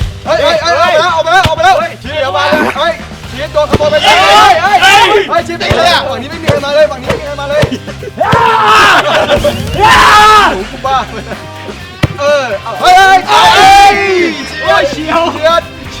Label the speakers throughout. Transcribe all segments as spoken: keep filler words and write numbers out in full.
Speaker 1: เฮ้ยเฮ้ยเฮ้ยออกมาแล้วออกมาแล้วออกมาแล้วชี้เดี๋ยวมาเลยเฮ้ยชี้โดนขโมยไปเลยเฮ้ยเฮ้ยเฮ้ยชี้ไปเลยอ่ะฝั่งนี้ไม่มีใครมาเลยฝั่งนี้ไม่มีใครมาเลยโอ้กูบ้าเออเฮ้ยเฮ้ยเฮ้ยเฉียวเฉียดเฉี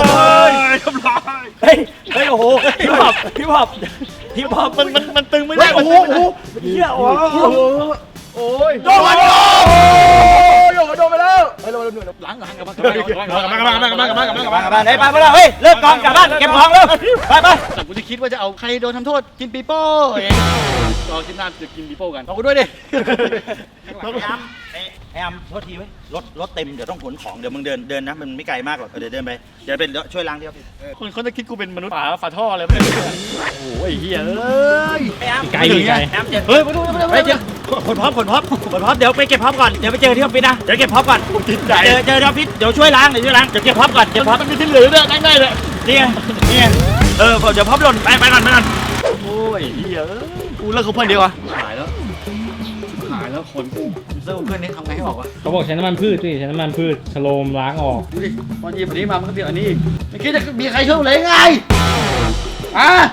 Speaker 2: ทำลายเฮ้ยเฮ้ยโอ้โหพี่บอบพี่บอบพี่บอบมันมันมันตึงไม่ได้โอ้โหโอ้โหเฮียโอ้โห
Speaker 1: โอ้ย
Speaker 2: โดนโดน
Speaker 1: โยกโดนไปแล้วไปโดนหลังหลังกับมันกับมันกับมันกับมันกับมันกับมันกับมันกับมันกับมัน
Speaker 2: ไปไปไปเฮ้ยเลิกกองกลับบ้านเก็บของเร็วไปไป
Speaker 3: แต่กูจะคิดว่าจะเอาใครโดนทำโทษกินปีโป้เองรอคิดหน้าจะกินปีโป้กันเอากูด้วยดิ
Speaker 2: พยายามพยายามโทษทีไว้รถรถเต็มเดี๋ยวต้องขนของเดี๋ยวมึงเดินเดินนะมันไม่ไกลมากหรอกเดี๋ยวเดินไปเดี๋ยวเป็นช่วยล้างเดียว
Speaker 3: คนเขาจะคิดกูเป็นมนุษย์ฝาฝาท่ออะไรไม่รู้โอ้ยเฮียเอ้ย
Speaker 2: พยายาม
Speaker 3: ไกลอยู่ไง
Speaker 2: พยายามเจ็บ
Speaker 3: เฮ้ยมาดูมาดู
Speaker 2: ไปเจอขนพร้อมขนพร้อมขนพร้อมเดี๋ยวไปเก็บพร้อมก่อนเดี๋ยวไปเจอที่ออฟฟิศนะเดี๋ยวเก็บพร้อมก่อน
Speaker 3: ติดใจ
Speaker 2: เจอเจอที่ออฟฟิศเดี๋ยวช่วยล้างเดี๋ยวช่วยล้างเดี๋ยวเก็บพร้อมก่อนเก็บพร้อม
Speaker 3: มันมีที่เหลือด้วยนั่งได้เลย
Speaker 2: นี่ไงนี่ไงเออเดี๋ยวพร้อมหล่นไปไปก่อนไปก่อน
Speaker 3: โอ้ยเฮียกูเลิกเขาเพื่อนเดียวอะหายแล้วหายแล้วคนกูเลิกเพื่อนนี้ทำไงให้ออกวะ
Speaker 4: เขาบอกใช้น้ำมันพืชสิใช้น้ำมันพืชชโลมล้างออก
Speaker 3: ดูดิตอนหยิบอันนี้มามันก็เปลี่ยนอันนี้อีกไม่คิดจะมีใครช่วยเลยไงอ่ะ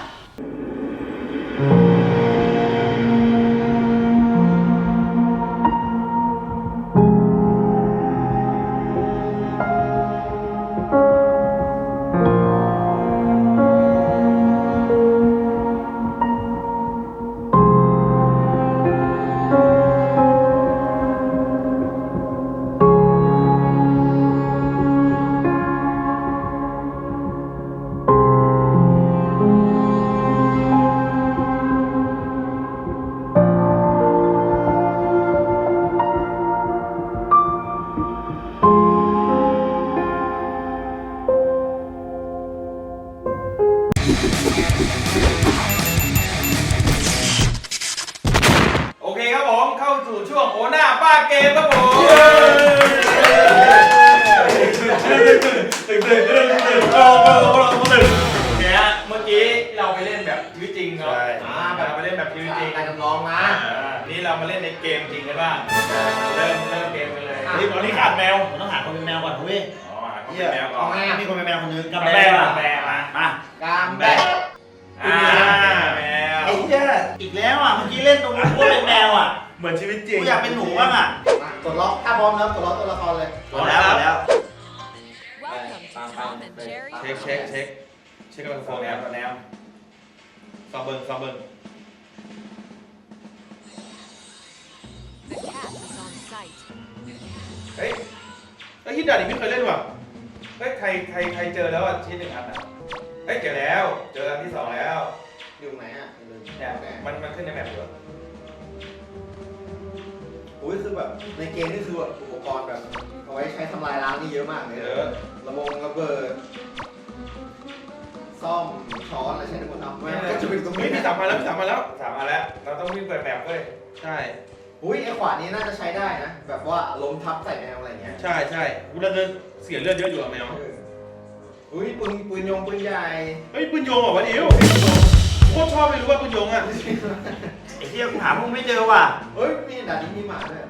Speaker 5: เข้าสู่ช่วงโอหน้าป้าเกมครับผมตึงตึงตึงตึงโอ้โหตึงเนี่ยเมื่อกี้เราไปเล่นแบบชีวิตจริงเนาะอ่าแบบไปเล่นแบบชีวิตจริง
Speaker 1: การจำลองมา
Speaker 5: นี่เรามาเล่นในเกมจริงกันบ้างเริ่มเริ่มเกมกันเลย
Speaker 2: นี่ตอนนี้ขาดแมวผมต้องหาคนเป็นแมวก่อนเว้ย
Speaker 5: อ๋อเฮียแล้ว
Speaker 1: เอาไงอ่ะ
Speaker 2: มีคนเป็นแมวคนนึง
Speaker 5: กำแบกกำแบกมา
Speaker 2: มา
Speaker 1: กามแบก
Speaker 5: อ่าแมว
Speaker 2: ไอ้เหี้ยอีกแล้วอ่ะเมื่อกี้เล่นตรงนู้นก็เป็นแมวอ่ะ
Speaker 5: เหมือนชีวิตจริง
Speaker 2: กูอยากเป็นหนูบ้างอ่ะ
Speaker 1: กดล็อกถ้าพร้อมแล้วกดล็อกตัวละครเลย
Speaker 2: หมดแล้วหมดแล้ว
Speaker 6: Welcome to Tom and Jerry.
Speaker 5: เช็คเช็คเช็คเช็คกับโฟนแนวกับแนวซอมเบิงซอมเบิง
Speaker 6: The cat is on site.
Speaker 5: เฮ้ยไอ้ฮิตดาดิไม่เคยเล่นว่ะเฮ้ยใครใครใครเจอแล้วอ่ะชิ้นหนึ่งอันอ่ะเฮ้ยเจอแล้วเจออันที่สองแล้ว
Speaker 1: อยู่ไหนอ่ะ
Speaker 5: เนี่ยมันมันขึ้นในแมปอยู่
Speaker 1: อุ้ยคือแบบในเกมนี่คือแบบอุปกรณ์แบบเอาไว้ใช้ทำลายล้างนี่เยอะมากเลย
Speaker 5: เยอะ
Speaker 1: ระบงระเบิดซ่อมช้อนอะไรใช้ได้หมดเอาไม่ก็จะเป็นตรง
Speaker 5: เฮ้
Speaker 1: นี้
Speaker 5: ยพี่สามมาแล้วพี่สามมาแล้วสามมาแล้วเราต้องวิ่งเปิดแมปเว้ยใช่
Speaker 1: อุ้ยไอ้ขวานนี้น่าจะใช้ได้นะ แบบว่าล้มทับใส่แมวอะไรเงี้ย
Speaker 5: ใช่ใช่กูเลือดเสียเลือดเยอะอยู่อะแมว
Speaker 1: เอออุ้ยปืนปืนยงปืนใหญ่
Speaker 5: เฮ้ยปืนโยงเหรอวะดิวโคตรชอบเลยรู้ว่าปืนโยงอ่ะ
Speaker 2: ไอ้เหี้ยกูหาพวกไม่เจอว่ะ
Speaker 1: เฮ้ยมีด่านนี้มีหมาด้วย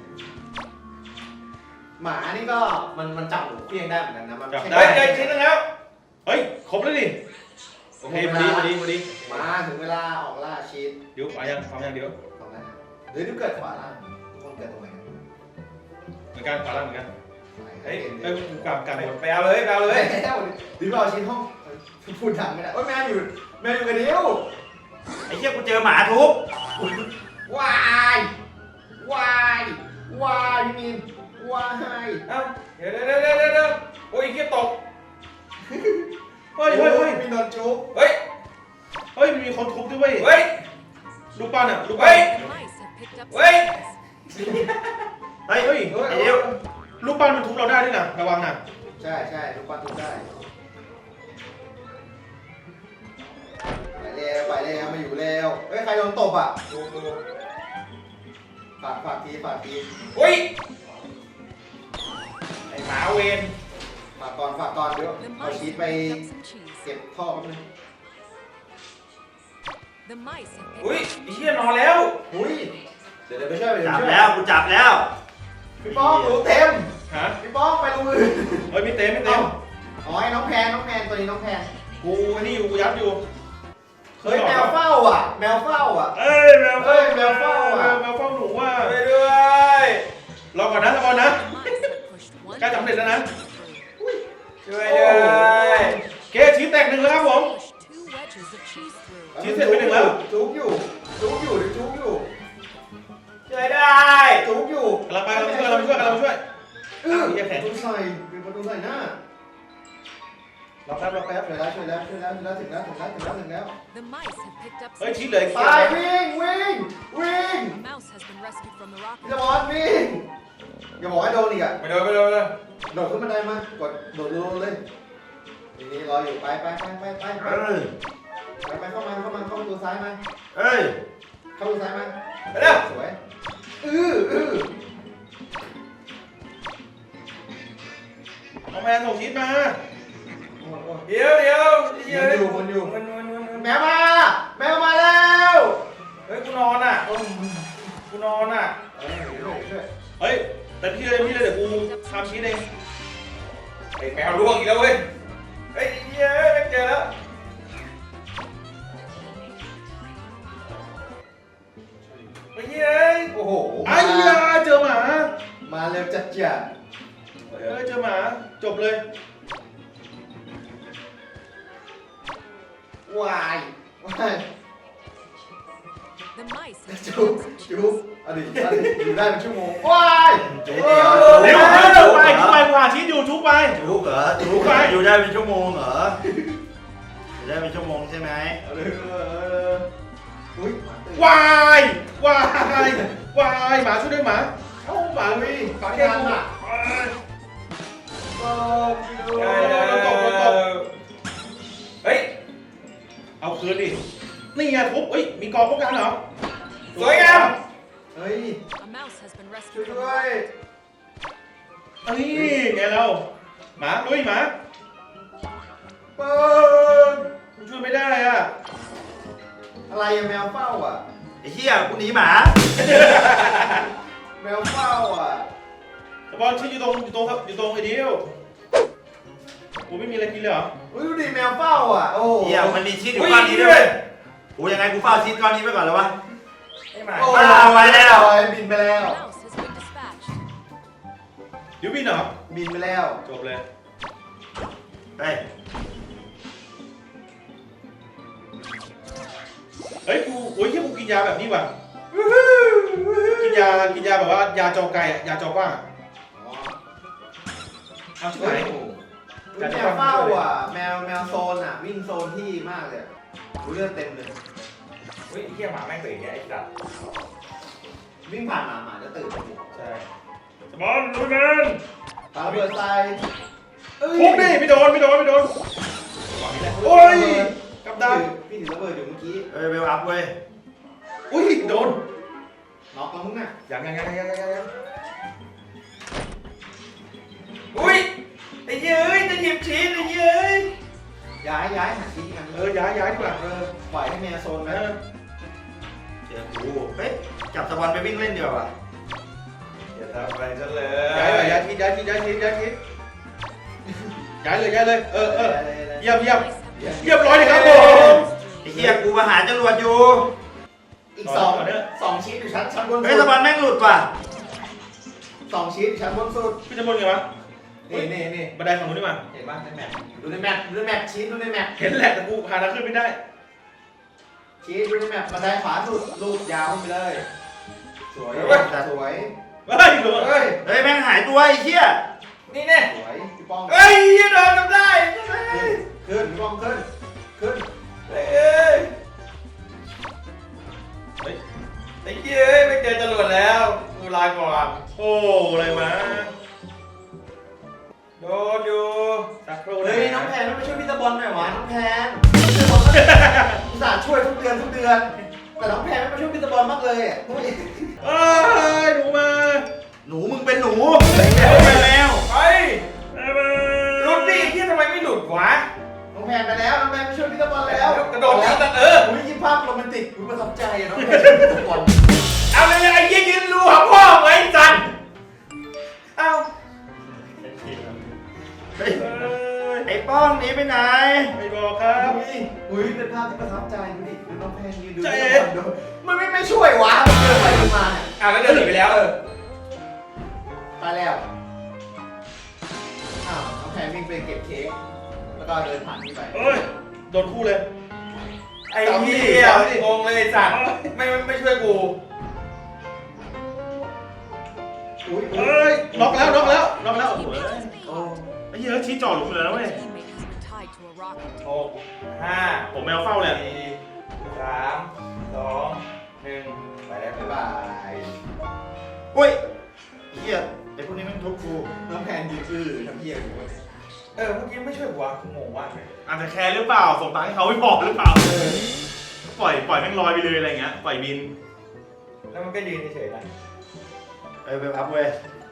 Speaker 1: หมานี่ก็มันมันจับหนูเพี้ยงได้เหมือนกันนะมัน
Speaker 5: จับ
Speaker 1: ใช้
Speaker 5: ได้เจอชิ้นนึงแล้วเฮ้ยครบแล้วดิโอเคพอดีพอดีพอดี
Speaker 1: มาถึงเวลาออกล่าชีส
Speaker 5: เดี๋ยวไปยังทำยังเดี๋ยว
Speaker 1: ตรงนั้นหรือดูเกิดขวาล่างทุกคนเกิดตรงไหน
Speaker 5: เหมือนกันขวาล่างเหมือนกัน
Speaker 1: เฮ้
Speaker 5: เฮ้
Speaker 1: ย
Speaker 5: ยเอ้ยกลับกลับไปเอาเลยไปเอาเลย
Speaker 1: แล้วดิวเราชิ้นห้องพูดดังไม่ได้โอ้ยแมวอยู่แมวอยู่กับดิว
Speaker 2: ไอ้เหี้ยกูเจอหมาทุบ
Speaker 1: วายวายวายพี่มีนวาย
Speaker 5: เอ้าเดี๋ยวเดี๋ยวเดี๋ยวเดี๋ยวเดี๋ยวโอ้ยเกียตกเฮ้ยเฮ้ยเฮ้ย
Speaker 1: มีนอนจุ๊บ
Speaker 5: เฮ้ยเฮ้ยมีคนทุบด้วยเว้ยเฮ้ยลูกปั้นอ่ะลูก
Speaker 6: The
Speaker 5: ปั้น
Speaker 6: mice have picked up
Speaker 5: Wait.
Speaker 6: supplies.
Speaker 2: เฮ้ยเฮ้ยไอ้เดียว
Speaker 5: ลูกปั้นมันทุบเราได้ด้วยนะระวังนะ
Speaker 1: ใช่ใช่ลูกปั้นทุบได้ไปเร็วไปเร็วมาอยู่เร็วเฮ้ยใครโดนตบอ่ะดูดูฝากฝากทีฝากที
Speaker 5: เฮ้ยไอ้หมาเวน
Speaker 1: ฝากก่อนฝากก่อนเดี๋ยว
Speaker 6: The
Speaker 1: เอา
Speaker 6: mice
Speaker 1: ชีส
Speaker 6: have
Speaker 1: ไป
Speaker 6: picked up some cheese.
Speaker 1: เก็บท่อแป๊บนึง
Speaker 6: The mice have picked
Speaker 5: อุ้ย
Speaker 6: up
Speaker 5: ไอ้เหี้ยนอนแล้ว
Speaker 1: อุ้ยเดี๋ยวเดี๋ยวไปช่วยไป
Speaker 2: จับ
Speaker 1: ช่วย
Speaker 2: แล้วกูจับแล้ว
Speaker 1: พี่ป้องรู้เต็ม
Speaker 5: ฮะ
Speaker 1: พี่ป้องไปลงมือ
Speaker 5: เฮ้ยไม่เต็มไม่เต็ม
Speaker 1: อ๋อไอ้น้องแพนน้องแพนตัวนี้น้องแพน
Speaker 5: กูไอ้นี่อยู่กูยัดอยู่
Speaker 1: เฮ้ยแมวเฝ้าอ่ะ แมวเฝ้าอ่ะ
Speaker 5: เอ้ยแมว
Speaker 1: เฮ้ยแมวเฝ้าอะ
Speaker 5: แมวแมวเฝ้าหนูว่ะไปด้วยรอก่อนนะรอก่อนนะ
Speaker 6: the mice have pushed one
Speaker 5: ใกล้สำเร็จแล้วนะ
Speaker 6: through.
Speaker 5: ช่วยด้วยเกชีสแตกหนึ่งแล้วครับผม
Speaker 6: Pushed two wedges of cheese through.
Speaker 5: ชี้เสร็จไปหนึ่งแล้ว
Speaker 1: จุกอยู่จุกอยู่หรือจุกอยู่
Speaker 5: ช่วยได้
Speaker 1: จุกอยู่
Speaker 5: กำลังไปกำลังช่วยกำลังช่วยกำลังช่วย
Speaker 1: เออ
Speaker 5: เหี้ยแข็ง
Speaker 1: ประตูใส่เป็นประตูใส่หน้า
Speaker 5: รอแป๊บรอแป๊บ
Speaker 1: ช่วยแล้วช่วยแล้วช่วยแล้วช่วยแล้วถึงแล้วถึงแล้วถึงแล้วถึงแล้ว
Speaker 6: The mice have picked up
Speaker 5: เฮ้ย
Speaker 6: some
Speaker 5: ชี้
Speaker 6: cheese.
Speaker 5: เลย
Speaker 1: ไปวิ่งวิ่งวิ่ง
Speaker 6: A mouse has been rescued from the
Speaker 1: พี่
Speaker 6: rocket.
Speaker 1: ตะบอลวิ่งอย่าบอกให้โดนอีกอ่ะ
Speaker 5: ไม่โดนไม่โดนไม่โดน
Speaker 1: โดดขึ้นบันไดมากดโดดรัวๆเลยทีนี้รออยู่ไปไปไปไปไปไป
Speaker 2: เอ้ย
Speaker 1: ไปไปเข้ามาเข้ามาเข้าประตูซ้ายมา
Speaker 2: เอ้ย
Speaker 1: เข้าประตูซ้ายมา
Speaker 5: ไปเร็ว
Speaker 1: สวยอื้ออื้อ
Speaker 5: เอาแมนส่งชีสมา
Speaker 1: โอ้โห
Speaker 5: เดี๋ยวเดี๋ยว
Speaker 1: มันอยู่มันอยู่
Speaker 5: มันมันมันมัน
Speaker 1: แมวมาแมวมาแล้ว
Speaker 5: เฮ้ยกูนอนอ่ะกูนอนอ่ะ
Speaker 1: เออช่วยช่วย
Speaker 5: เฮ้ยแต่พี่เลยพี่เลยเดี๋ยวกูทำชีสเองไอ้แมวล่วงอีกแล้วเว้ยเฮ้ยเย้ยเจอแล้วเฮ้ยเย้ย
Speaker 1: โอ้โห
Speaker 5: ไอ้ยาเจอหมา
Speaker 1: มาเร็วจัดจัด
Speaker 5: เฮ้ยเจอหมาจบเลย
Speaker 1: วายวาย
Speaker 6: The mice have
Speaker 1: จุ๊
Speaker 6: picked
Speaker 1: บ
Speaker 6: up some
Speaker 1: จุ๊
Speaker 6: cheese.
Speaker 1: บอดีตอดีตอยู่ได้เป็นชั่วโมงวาย
Speaker 2: จุ๊บ
Speaker 1: เอ
Speaker 2: เดี๋ยว
Speaker 1: อ
Speaker 5: เร็วเร็วไปทุกไปกว่าชีสอยู่ทุกไป
Speaker 2: จุ๊บเหรอจุ๊บอยู่ได้เป็นชั่วโมงเหรออยู่ได้เป็นชั่วโมงใช่ไหม
Speaker 1: เอาเลยเอออุ้ย
Speaker 5: วายวายวายหมาช่วยด้วยหมาเอ้าหมา
Speaker 1: อุ้ย
Speaker 5: หมา
Speaker 1: ปาก
Speaker 5: แค่
Speaker 1: กัน
Speaker 5: กู
Speaker 1: อ่ะ
Speaker 5: อ่ะ
Speaker 1: โอ้ย
Speaker 5: เฮ้ยเอาคืนดินี่ไงทุบเฮ้ยมีกองพวกกันเหรอสวยงาม
Speaker 1: เอเฮ้ย
Speaker 6: A mouse has been
Speaker 1: ช่วย
Speaker 6: rescued from
Speaker 1: ด้
Speaker 6: the
Speaker 1: วย
Speaker 6: rocket.
Speaker 5: เฮ้ยไงเราหมาลุยหมา
Speaker 1: เปิด
Speaker 5: กูช่วยไม่ได้อ่ะ
Speaker 1: อะไรอะแมวเฝ้าอ่ะ
Speaker 2: ไอ้เหี้ยกูหนีหมา
Speaker 1: แมวเฝ้าอ่ะ
Speaker 5: สปอนชื่ออยู่ตรงอยู่ตรงอยู่ตรงไอ้เดียวกูไม่มีอะไรกินเลยเหรอ
Speaker 1: อุ้ยดูดิแมวเฝ้าอ่ะโอ้โห
Speaker 2: เหี้ยมันมีชีสอยู่ก้อนนี้ด้วยกูยังไงกูเฝ้าชีสก้อนนี้ไปก่อนเลยวะ
Speaker 1: โอ้โห
Speaker 2: เอาไว้แล้ว
Speaker 1: บินไปแล้ว
Speaker 6: A mouse has been dispatched.
Speaker 5: เดี๋ยวบินเหรอ
Speaker 1: บินไปแล้ว
Speaker 5: จบเลย
Speaker 2: เฮ้ย
Speaker 5: เฮ้ยกูโอ้ยเฮียกูกินยาแบบนี้ว่ะกินยากินยาแบบว่ายาจอไก่อะยาจอกว้างอะเอาชิบ
Speaker 1: เฮ้
Speaker 5: หาย
Speaker 1: ยแมวเฝ้าอ่ะ แมวแมวโซนอ่ะ วิ่งโซนที่มากเลยรู้เลือดเต็มเลย
Speaker 5: เฮ้ยเฮียหมาแม่งตื่นเนี่ยไอ้สัตว์
Speaker 1: วิ่งผ่านหมาหมาจะตื่น
Speaker 5: ใช่สปอนลุยแมน
Speaker 1: ปาระเบิดใส่เอ้ย
Speaker 5: ทุบดิไม่โดนไม่โดนไม่โดนโอ้ยกับดา
Speaker 1: พี่ถือระเบิดอยู่เมื่อกี้
Speaker 2: เอ้ยเวลอัพเว้ย
Speaker 5: อุ้ยโดน
Speaker 1: น็อกแล้วมึงอ่ะ
Speaker 5: ยังยังยังยังยังยัง
Speaker 2: อุ้ยไอ้เหี้ยเอ้ยจะหยิบชีสไอ้เหี้ยเอ้ย
Speaker 1: ย้ายย้ายหาที่กัน
Speaker 5: เออย้ายย้ายดีกว่า
Speaker 1: เออปล่อยให้แมวโซน
Speaker 5: เอ
Speaker 1: ไป
Speaker 5: อ
Speaker 2: เจอกูเฮ้ยจับสปอนไปวิ่งเล่นเดียวอ่ะ
Speaker 5: อย่าทำอะไรฉันเลยย้ายเลยย้ายทีย้ายทีย้ายทีย้ายทีย้ายเลยย้ายเลยเออเออเยี่ยมเยี่ยมเรียบร้อยเลยครับผม
Speaker 2: ไอ้เหี้ยกูมาหาจรวดอยู่
Speaker 1: อีกสองสองชิ้นอยู่ชั้นชั้นบน
Speaker 2: เฮ้ย
Speaker 1: สุ
Speaker 2: ส
Speaker 1: ด
Speaker 2: ปอนแม่งหลุดว่ะ
Speaker 1: สองชิ้นอยู่ชั้นบนสุด
Speaker 5: พี่จะบนไงวะ
Speaker 1: นี่นี่นี่
Speaker 5: บันไดฝั่งนู้นดีกว่า
Speaker 1: เห็นป่ะในแมปดูในแมปดูในแมปชี้ดูในแมป
Speaker 5: เห็นแหละแต่กูหาทางขึ้นไม่ได้
Speaker 1: ชี้ดูในแมปบันไดขวาสุดลูดยาวขึ้นไปเลย สวยสวย
Speaker 5: เฮ้ยโดน
Speaker 1: เฮ้ย
Speaker 2: เฮ้ยแม่งหายตัวไอ้เหี้ย
Speaker 5: นี่แน่
Speaker 1: สวยพี่ป้อง
Speaker 5: เฮ้ยโดนทำได้
Speaker 1: ขึ้นพี่ป้องขึ้นขึ้น
Speaker 5: เฮ้ยเฮ้ยไอ้เหี้ยไม่เจอจรวดแล้วกูลาก่อนโอ้อะไรมาโดนอยู่สักครู่
Speaker 1: เฮ้ยน้องแพนต้องไปช่วยพี่ตะบอลหน่อยวะน้องแพนอุตส่าห์ช่วยทุกเดือนทุกเดือน แต่น้องแพนไม่มาช่วยพี่ตะบอลมากเลยอ่ะ
Speaker 5: เอ้ยหนูมา
Speaker 2: หนูมึงเป็นหนูไม่ใช่แมว
Speaker 5: ไปหลุดดิที่ทำไมไม่หลุดวะ
Speaker 1: น้องแพนไปแล้วน้องแพนไปช่วยพี่ตะบอลแล้ว
Speaker 5: กระโดดแล้วแต่เออ
Speaker 1: อุ้ยยิ้มภาพโรแมนติกอุ้ยประทับใจอะน้องแพนช่วยพี่ตะบอล
Speaker 5: เอาเลยไอ้ยี่ยืนรูหาพ่อไว้จันเอา
Speaker 2: เฮ้ยไอ้ป้องหนีไปไหน
Speaker 5: ไม่บอกครับ
Speaker 1: อุ้ยอุ้ยเป็นภาพที่ประทับใจดูดิดูน้องแพนยืนดู
Speaker 5: ใจ
Speaker 1: พี่ตะบอลดูมันไม่ไม่ช่วยวะมันเดินไปเดินมาเนี่ย
Speaker 5: อ่ะแล้วเดินหนีไปแล้ว
Speaker 1: ตายแล้วอ้าวน้องแพนวิ่งไปเก็บเค้กแล้วก็เดินผ่านนี่ไป
Speaker 5: เฮ้ยโดนคู่เลย
Speaker 1: ไอ้เหี้ย
Speaker 5: งงเลยสัตว์ไม่ไม่ช่วยกู
Speaker 1: อุ้ย
Speaker 5: เฮ้ยล็อกแล้วล็อกแล้วล็อกแล้ว
Speaker 6: He made his
Speaker 1: โอ้
Speaker 6: payload.
Speaker 5: ไอ้เหี้ยชี้จ่อหลุมเลยนะเว้ย
Speaker 6: His teammate has been tied to a rocket.
Speaker 5: หกห้าผมแมวเฝ้าเลยสี่สามสองหนึ่งไปแล้ว
Speaker 1: บ๊ายบาย
Speaker 2: อุ้ยไอ้เหี้ยไอ้พวกนี้แม่งทุบกู
Speaker 1: น้องแพนยืนอื้อทำเหี้ยอยู่วะ
Speaker 5: เออเมื่อกี้ไม่ช่วยกูวะกูงงมากเลยอาจจะแคร์หรือเปล่าส่งตังค์ให้เขาไม่พอหรือเปล่าปล่อยปล่อยแม่งลอยไปเลยอะไรเงี้ยปล่อยบินแล้วมันก็ยืนเฉยๆนะ
Speaker 2: เอ้ยเวลอัพเว้ย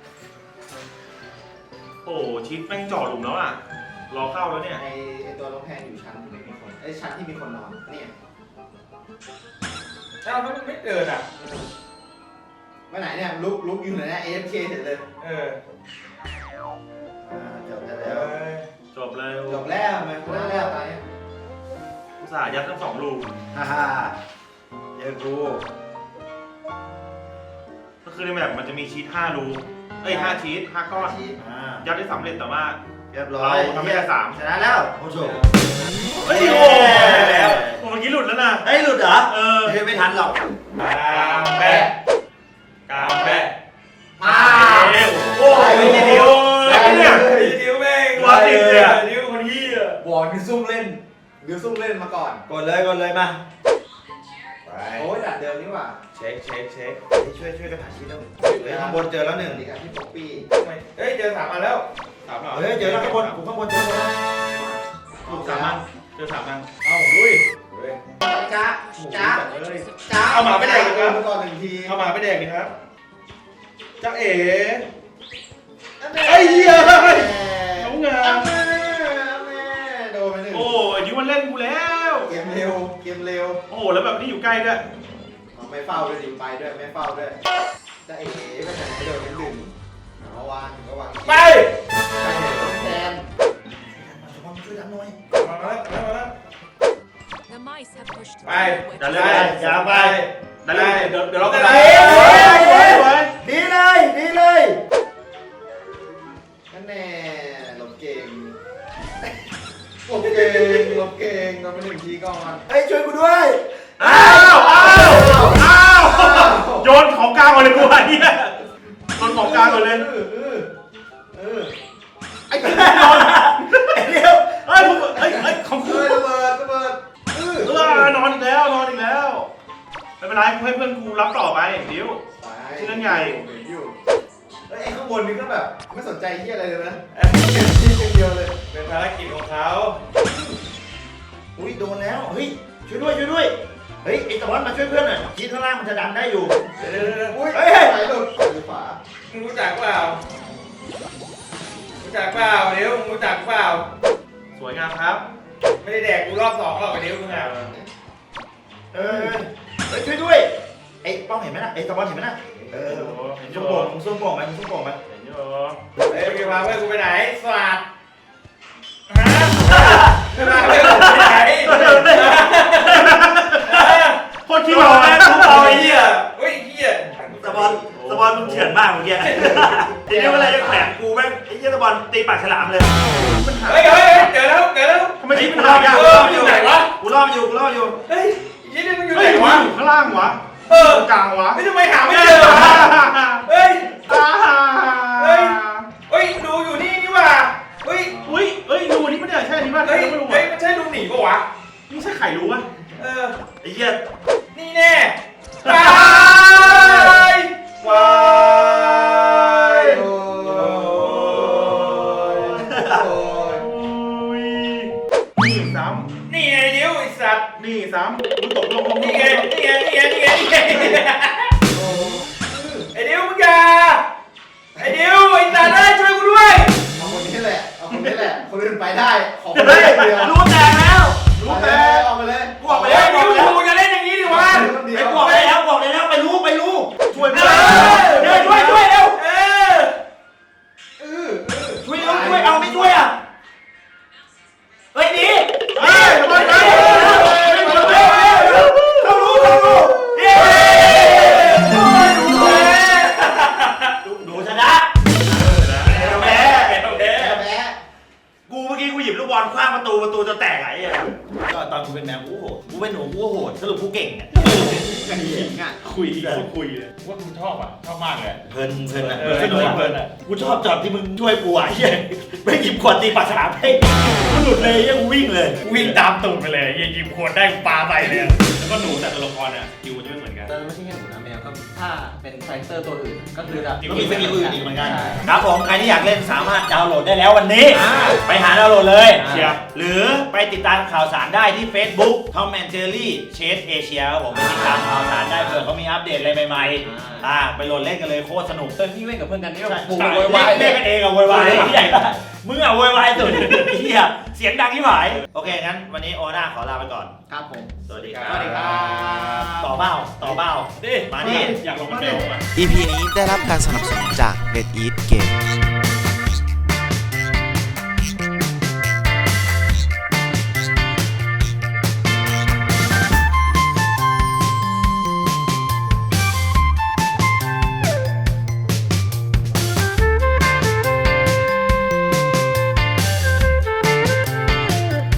Speaker 5: โอ้ชิดแม่งจ่อหลุมแล้วอ่ะรอเข้าแล้วเนี่ย
Speaker 1: ไอไอตัวน้องแพนอยู่ชั้นที่ไม่มีคนไอยชั้นที่มีคนนอนเนี่ย
Speaker 5: อ้าวมันไม่เดินอ่ะ
Speaker 1: ไปไหนเนี่ยลุกลุกอยู่ไหนเนี่ย เอ เอฟ เค เสร็จเลย
Speaker 5: เออ
Speaker 2: อ่าจบได้
Speaker 5: เอ
Speaker 2: แล้ว
Speaker 5: อจบเลย
Speaker 1: จบแล้วมันกูได้แล้วตายเนี่ย
Speaker 5: อุตส่าห์ยัดทั้งสองลูก
Speaker 2: ฮ่าฮ่าเจอกู
Speaker 5: ก็คือในแมปมันจะมีชีทห้ารูเอ้ยห้าชีทห้าก้อน
Speaker 2: อ่า
Speaker 5: ยัดได้สำเร็จแต่ว่า
Speaker 2: เรียบร้อย
Speaker 5: เราทำให้ได้สาม
Speaker 2: ชนะแล้วโอ้โห
Speaker 5: เฮ้ยโอ้แล้วโอ้เมื่อกี้หลุดแล้วนะ
Speaker 2: เฮ้ยหลุดเหรอ
Speaker 5: เออ
Speaker 2: เฮ้ยไม่ทันหรอก
Speaker 5: กามแปะกามแปะ
Speaker 1: อ้า
Speaker 5: เอ้ยโอ้ยไม่ใช่ดิวแล้วเนี่ยดิวแม่งตัวติดเลยดิวคนที่อ่ะ
Speaker 1: บอกคือซุ่มเล่นหรือซุ่มเล่นมาก่อน
Speaker 2: กดเลยกดเลยมา
Speaker 5: ไป
Speaker 1: โอ้ยดัดเดิมนี่หว่า
Speaker 5: เช็คเช็คเช็ค
Speaker 2: เฮ้ยช่วยช่วยกันหาชิ้นแล้วเฮ้ยข้างบนเจอแล้วหนึ่ง
Speaker 1: สวัสดีครับพี่ป๊อปปี้
Speaker 5: เฮ้ยเจอสามอันแล้วสามอัน
Speaker 2: เฮ้ยเจอแล้วข้างบนกูข้างบนเจอแล้ว
Speaker 5: ลูกสามอันเจอสามอัน
Speaker 1: เอ้าลุย
Speaker 5: เฮ้ย
Speaker 1: จ้า
Speaker 5: จ้า
Speaker 1: จ้าจ้า
Speaker 5: เอาหมาไปแดกเลยครับ
Speaker 1: ก่อนหนึ่งที
Speaker 5: เอาหมาไปแดกดิครับจ้าเอ๋ไอ้เหี้ยน้องงาม
Speaker 1: แม่โดนไปหนึ่ง
Speaker 5: โอ้ยดิวมันเล่นกูแล้ว
Speaker 1: เกมเร็วเกมเร็ว
Speaker 5: โอ้แล้วแบบนี้อยู่ใกล้ด้วย
Speaker 1: ไม่เฝ้าด้วยดิไปด้วยไม่เฝ้าด้วยจะเอ๋ไปไหนโดนไปหนึ่งเอาวางก็วาง
Speaker 5: ไป
Speaker 1: แทน
Speaker 5: ช่วยดันหน่อยมาแล้วมาแล้ว
Speaker 6: The mice have pushed
Speaker 5: Bye.
Speaker 6: through the
Speaker 2: ดัน
Speaker 6: wedge.
Speaker 2: เลยไปอย่าไป
Speaker 5: ดันเลยเดี๋ยวเดี๋ยวเราก็
Speaker 1: ดี
Speaker 5: ได้
Speaker 1: เลยดีเลยดีเลยนั่นแน่หลบเก่งหลบเก่งหลบเก่งโดนไปหนึ่งทีก่อนเฮ้ยช่วยกูด้วย
Speaker 5: อ้าวอ้าวอ้าวโยนของกลางก่อนเลยกูไอ้เนี่ยโยนของกลางก่อนเลย
Speaker 1: เออเออเออ
Speaker 5: ไอ้เหี้ยโยนไอ้เดียวเฮ้ยผมเฮ้ยเฮ้ยของกู
Speaker 1: เฮ้ยระเบิดระเบิดเออ
Speaker 5: เออนอนอีกแล้วนอนอีกแล้วไม่เป็นไรให้เพื่อนกูรับต่อไปดิว ชื่อเรื่องใหญ่
Speaker 1: อยู่เฮ้ยไอ้ข้างบนนี่ก็แบบไม่สนใจเฮียอะไรเลยนะเก็บที่อย่างเดียวเลย
Speaker 5: เป็นภารกิจของเขา
Speaker 2: อุ้ยโดนแล้วเฮ้ยช่วยด้วยช่วยด้วยเฮ้ยไอ้ตะวันมาช่วยเพื่อนหน่อยชีดข้างล่างมันจะดันได้อยู่
Speaker 5: เดี๋ยวเดี๋ยวเดี๋ยว
Speaker 1: อุ้ย
Speaker 2: เฮ้ย
Speaker 1: ไหลหลุดซ้ายหรือขวา
Speaker 5: มึงรู้จักเปล่ารู้จักเปล่าเดี๋ยวมึงรู้จักเปล่าสวยงามครับ ไม่ได้แดกกูรอบสองหรอกไอ้เดี๋ยวมึงอ่ะ
Speaker 2: เออเฮ้ยช่วยด้วยไอ้ป้องเห็นไหมนะไอ้ตะวันเห็นไหมนะเออมึงส้มโป่งมึงส้มโป่งไหมมึงส้มโป่งไหม
Speaker 5: เห็นอยู่เฮ้ยมึงพาเพื่อนกูไปไหนสวัสดฮะไม่พาเพื่อนกูไปไหนโคตรขี้หลอกนะทุกเอาไอ้เหี้ยเฮ้ยเหี้ย
Speaker 2: ตะวันตะวันมึงเถื่อนมากเมื่อกี้ทีนี้เวลาจะแขวนกูแม่งไอ้เหี้ยตะวันตีปากฉลามเลย
Speaker 5: เฮ้ยเฮ้ยเกิดแล้วเกิดแล้วทำไมชีวิตมันหายาก
Speaker 2: กู
Speaker 5: เอ
Speaker 2: ร
Speaker 5: อ
Speaker 2: อ
Speaker 5: มันอยู่ไหนวะ
Speaker 2: กูรอดอยู่กูรอดอยู่
Speaker 5: เฮ้ยยี่นี่มันอยู่ไหนวะอยู่ข้างล่างวะเออกลางวะไม่ทำไมหาไม่เจอวะเฮ้ยเฮ้ยเฮ้ยดูอยู่นี่นี่ว่ะเฮ้ยอุ้ยเฮ้ยดูนี่มันเนี่ยใช่อันนี้ป่ะเฮ้ยไม่รู้เฮ้ยมันใช่ดูหนีป่ะวะนี่ใช่ไข่รู้ป่ะเออ
Speaker 2: ไอ้เหี้ย
Speaker 5: นี่แน่วายวาย
Speaker 1: โอ้ยโอ้ย
Speaker 5: อุ้ยนี่ซ้ำนี่ไงเดี๋ยวไอ้สัตว์นี่ซ้ำกูตกลงลงนี่ไงนี่ไงนี่ไงนี่ไงนี่ไงไอ้เดี๋ยวมึงอย่าไอ้เดี๋ยวไอ้สัตว์ได้ช่วยกูด้วย
Speaker 1: เอาคนนี้แหละเอาคนนี้แหละคนอื่นไปได้ขอคนนี้อย่างเดียว
Speaker 2: รู้แตกแล้ว
Speaker 1: รู้แต่เอาไปเลย
Speaker 2: กูออกไป
Speaker 5: เฮ้
Speaker 2: แล้
Speaker 5: ยว
Speaker 2: กูออกไปแล้ว
Speaker 5: มึงจะเล่นอย่างนี้ดิวะ
Speaker 2: ไอ้กูออกไปแล้วกูออกไปแล้วไปรู้ไปรู้
Speaker 5: ช่วย
Speaker 2: เอ
Speaker 5: เพื่อน
Speaker 2: อเดี๋ยวช่วยช่วยเร็ว
Speaker 5: เออ
Speaker 1: เออเออ
Speaker 2: ช่วยเร็วช่วยเอาไม่ช่วยอ่ะเฮ้ยหนี
Speaker 5: เฮ้ยไปไป
Speaker 2: เขารู้เขารู้เย้หนูชนะแพ้
Speaker 1: แพ้แพ้
Speaker 2: กูเมื่อกี้กูหยิบลูกบอลคว้างประตูประตูจะแตกไหลอ่ะก็ตอนกูเป็นแมวกูโหดกูเป็นหนูกูโหดสรุปกูเก่งอ่ะ
Speaker 1: กันเองอ่ะ
Speaker 5: คุยคนคุยเลยว่ากูชอบอ่ะชอบมากเลย
Speaker 2: เพลินเพลินอ่ะ
Speaker 5: เออ
Speaker 2: สนุกเพลินอ่ะกูชอบจอดที่มึงช่วยกูอ่ะเฮ้ยไม่หยิบขวดตีปากฉลามให้กูหลุดเลยยังวิ่งเลย
Speaker 5: วิ่งตามตูดไปเลยยิงยิงขวดได้ปลาไปเลยแล้วก็หนูแต่ตัวละครอ่ะคิวจะไม่เหมือนกัน
Speaker 3: แต่ไม่ใช่แค่หนูนะแมวก็ถ้าเป็นคาแรคเตอร์ตัวอื่นก็คือจะ
Speaker 2: ก็มีสกิลอื่นอีกเหมือนกัน
Speaker 3: ใช่
Speaker 2: ครับผมใครที่อยากเล่นสามารถดาวน์โหลดได้แล้ววันนี้ ไปหาดาวน์โหลดเลย
Speaker 5: เชียร์
Speaker 2: หรือไปติดตามข่าวสารได้ที่ Facebook Tom and Jerry Chase Asia ครับผมไปติดตามข่าวสารได้เผื่อเขามีอัปเดตอะไรใหม่ๆอ่าไปโหลดเล่นกันเลยโคตรสนุก
Speaker 3: เออพี่เล่นกับเพื่อนกันนี่ก็
Speaker 2: ใช่
Speaker 3: ปู
Speaker 2: ใช่
Speaker 3: โวยวาย
Speaker 2: เล่นกันเองอะโวยวายที่ใหญ่ปะมึงอะโวยวายสุดเฮียเสียงดังที่หมายโอเคงั้นวันนี้โอน่าขอลาไปก่อน
Speaker 3: ครับผม
Speaker 2: สวัสดีครับ
Speaker 3: สวัสดีครับ
Speaker 2: ต่อเบ้าต่อเบ้า
Speaker 5: ดิ
Speaker 2: มาดิ
Speaker 5: อยากลงมาเบลอ่ะ
Speaker 7: อี พี นี้ได้รับการสนับสนุนจาก Red Eat Games